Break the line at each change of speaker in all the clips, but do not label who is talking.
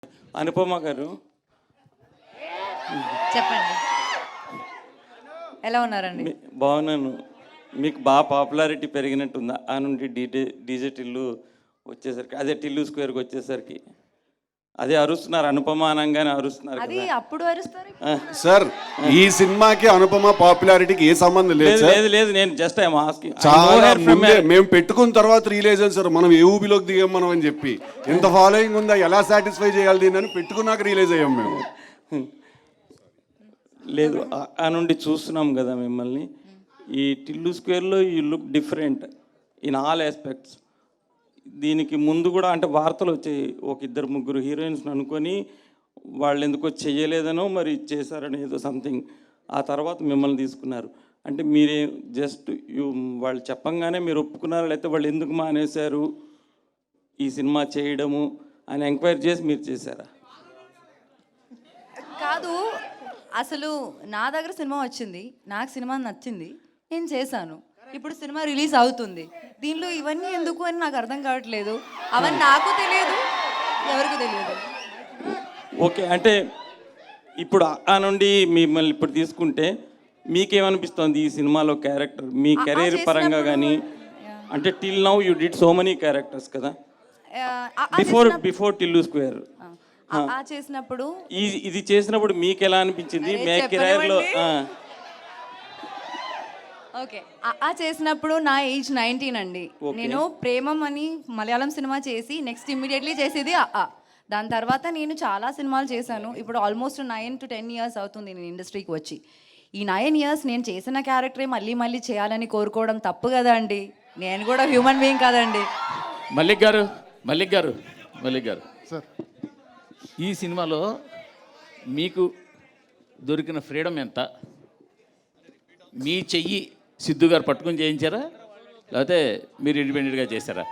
అనుపమ గారు
చెప్పండి, ఎలా ఉన్నారండి?
బాగున్నాను. మీకు బాగా పాపులారిటీ పెరిగినట్టుందా ఆ నుండి డీజే టిల్లు వచ్చేసరికి, అదే టిల్లు స్క్వేర్కి వచ్చేసరికి? అదే అరుస్తున్నారు, అనుపమ అనగానే అరుస్తున్నారు
అది
కదా.
అప్పుడు అరుస్తారు.
సార్ ఈ సినిమాకి అనుపమ పాపులారిటీకి ఏ సంబంధం లేదు
లేదు
సార్.
లేదు లేదు, నేను జస్ట్ ఐఎమ్ ఆస్కింగ్.
చాలా ముందే మేము పెట్టుకున్న తర్వాత రిలీజ్ అయ్యింది సార్. మనం ఏ ఊబిలోకి దిగాం మనం అని చెప్పి, ఎంత ఫాలోయింగ్ ఉందా, ఎలా సాటిస్ఫై చేయాలి దీన్ని అని పెట్టుకున్నాక రిలీజ్ అయ్యాం మేము.
లేదు, ఆ నుండి చూస్తున్నాం కదా మిమ్మల్ని. ఈ టిల్లు స్క్వేర్లో you look different in all aspects. దీనికి ముందు కూడా అంటే వార్తలు వచ్చాయి, ఒక ఇద్దరు ముగ్గురు హీరోయిన్స్ని అనుకొని వాళ్ళు ఎందుకో చెయ్యలేదనో మరి చేశారని ఏదో సంథింగ్. ఆ తర్వాత మిమ్మల్ని తీసుకున్నారు. అంటే మీరే జస్ట్ వాళ్ళు చెప్పంగానే మీరు ఒప్పుకున్నారు, లేకపోతే వాళ్ళు ఎందుకు మానేశారు ఈ సినిమా చేయడము అని ఎంక్వైరీ చేసి మీరు చేశారా?
కాదు, అసలు నా దగ్గర సినిమా వచ్చింది, నాకు సినిమా నచ్చింది, నేను చేశాను. ఇప్పుడు సినిమా రిలీజ్ అవుతుంది, దీనిలో ఇవన్నీ ఎందుకు అని నాకు అర్థం కావట్లేదు. అవన్నీ నాకు తెలియదు, ఎవరికి తెలియదు.
ఓకే, అంటే ఇప్పుడు ఆ నుండి మిమ్మల్ని ఇప్పుడు తీసుకుంటే మీకేమనిపిస్తుంది ఈ సినిమాలో క్యారెక్టర్ మీ కెరీర్ పరంగా కానీ? అంటే till now you did so many characters కదా, బిఫోర్ టిల్లు స్క్వేర్.
చేసినప్పుడు
ఇది చేసినప్పుడు మీకు ఎలా అనిపించింది? మే కెరీర్లో
ఓకే, చేసినప్పుడు నా ఏజ్ 19 అండి. నేను ప్రేమం అని మలయాళం సినిమా చేసి నెక్స్ట్ ఇమ్మీడియట్లీ చేసేది దాని తర్వాత నేను చాలా సినిమాలు చేశాను. ఇప్పుడు ఆల్మోస్ట్ 9 to 10 years అవుతుంది నేను ఇండస్ట్రీకి వచ్చి. ఈ 9 years నేను చేసిన క్యారెక్టరే మళ్ళీ మళ్ళీ చేయాలని కోరుకోవడం తప్పు కదా అండి. నేను కూడా హ్యూమన్ బీయింగ్ కదండి.
మల్లిక్ గారు
సార్,
ఈ సినిమాలో మీకు దొరికిన ఫ్రీడమ్ ఎంత? మీ చెయ్యి సిద్ధు గారు పట్టుకొని చేయించారా, లేకపోతే మీరు ఇండిపెండెంట్గా చేశారా?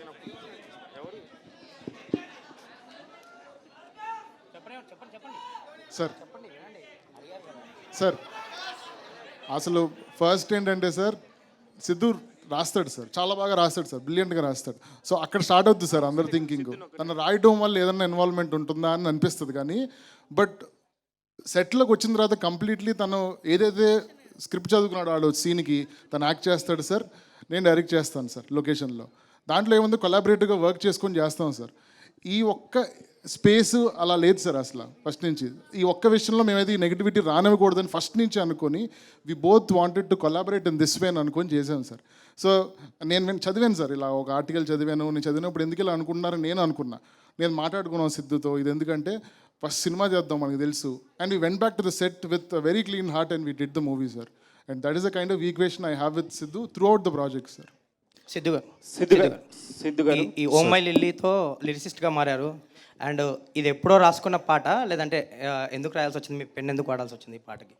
సార్ అసలు ఫస్ట్ ఏంటంటే సార్, సిద్ధు రాస్తాడు సార్, చాలా బాగా రాస్తాడు సార్, బ్రిలియంట్గా రాస్తాడు. సో అక్కడ స్టార్ట్ అవుతుంది సార్ అందరు థింకింగ్, తను రాయడం వల్ల ఏదైనా ఇన్వాల్వ్మెంట్ ఉంటుందా అని అనిపిస్తుంది. కానీ బట్ సెట్లోకి వచ్చిన తర్వాత కంప్లీట్లీ తను ఏదైతే స్క్రిప్ట్ చదువుకున్నాడు వాడు సీన్కి తను యాక్ట్ చేస్తాడు సార్, నేను డైరెక్ట్ చేస్తాను సార్ లొకేషన్లో. దాంట్లో ఏముంది, కొలాబరేటివ్గా వర్క్ చేసుకొని చేస్తాం సార్. ఈ ఒక్క స్పేస్ అలా లేదు సార్ అసలు ఫస్ట్ నుంచి. ఈ ఒక్క విషయంలో మేమైతే ఈ నెగిటివిటీ రానివ్వకూడదని ఫస్ట్ నుంచి అనుకొని we both wanted to collaborate in this way అని అనుకొని చేశాను సార్. సో నేను చదివాను సార్, ఇలా ఒక ఆర్టికల్ చదివాను. నేను చదివినప్పుడు ఎందుకు ఇలా అనుకుంటున్నారని నేను అనుకున్నా. నేను మాట్లాడుకున్నాను సిద్ధుతో, ఇది ఎందుకంటే ఫస్ట్ సినిమా చేద్దాం మనకు తెలుసు. And we went back to the set with very clean heart and we did the movie sir. And that is the kind of equation I have with Siddhu throughout the project sir.
Siddhu గారు ఈ oh my లిల్లీతో లిరిసిస్ట్గా మారారు. And ఇది ఎప్పుడో రాసుకున్న పాట, లేదంటే ఎందుకు రాయాల్సి వచ్చింది, మీ పెన్ ఎందుకు వాడాల్సి వచ్చింది ఈ పాటకి?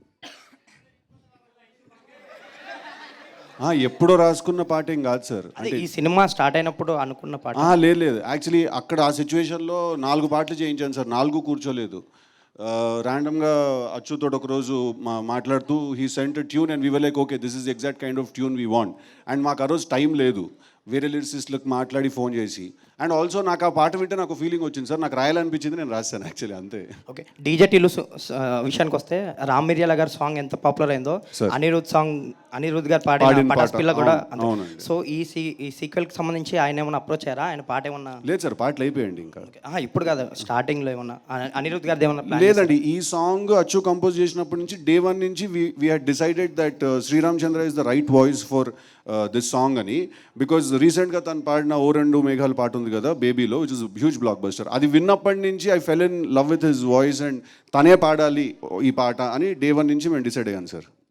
ఎప్పుడో రాసుకున్న పాట ఏం కాదు సార్.
అంటే ఈ సినిమా స్టార్ట్ అయినప్పుడు అనుకున్న పాట?
లేదు, యాక్చువల్లీ అక్కడ ఆ సిచ్యువేషన్లో 4 పాటలు చేయించాను సార్, 4 కూర్చోలేదు. ర్యాండమ్గా అచ్చుతో ఒకరోజు మాట్లాడుతూ he sent tune and we were like okay this is exact kind of tune we want. And మాకు ఆ రోజు టైం లేదు, వేరే లిరిసిస్ట్లకు మాట్లాడి ఫోన్ చేసి. అండ్ ఆల్సో నాకు ఆ పాట వింటే నాకు ఫీలింగ్ వచ్చింది సార్, నాకు రాయాలనిపించింది, నేను రాశాను యాక్చువల్లీ, అంతే. ఓకే,
డీజే టిల్లు విషయానికి వస్తే రామ్ మిర్యాల గారి సాంగ్ ఎంత పాపులర్ అయిందో, అనిరుద్ గారు పాడిన పటాస్ పిల్ల కూడా. సో ఈ సీక్వెల్కి సంబంధించి ఆయన ఏమన్నా అప్రోచ్ అయ్యారా? ఆయన పాట ఏమన్నా?
లేదు సార్, పాటలు అయిపోయాయండి ఇంకా.
ఇప్పుడు కాదు, స్టార్టింగ్లో ఏమన్నా అనిరుద్ గారిది ఏమన్నా?
లేదండి, ఈ సాంగ్ అచ్చు కంపోజ్ చేసినప్పటి నుంచి డే 1 నుంచి we had decided that Sriram Chandra is the right voice for this song అని. బికాజ్ రీసెంట్గా తను పాడిన ఓ రెండు మేఘాలు పాట ఉంది కదా బేబీలో, which is huge blockbuster. అది విన్నప్పటి నుంచి I fell in love with his voice and తనే పాడాలి ఈ పాట అని డే 1 నుంచి మేము డిసైడ్ అయ్యాను సార్.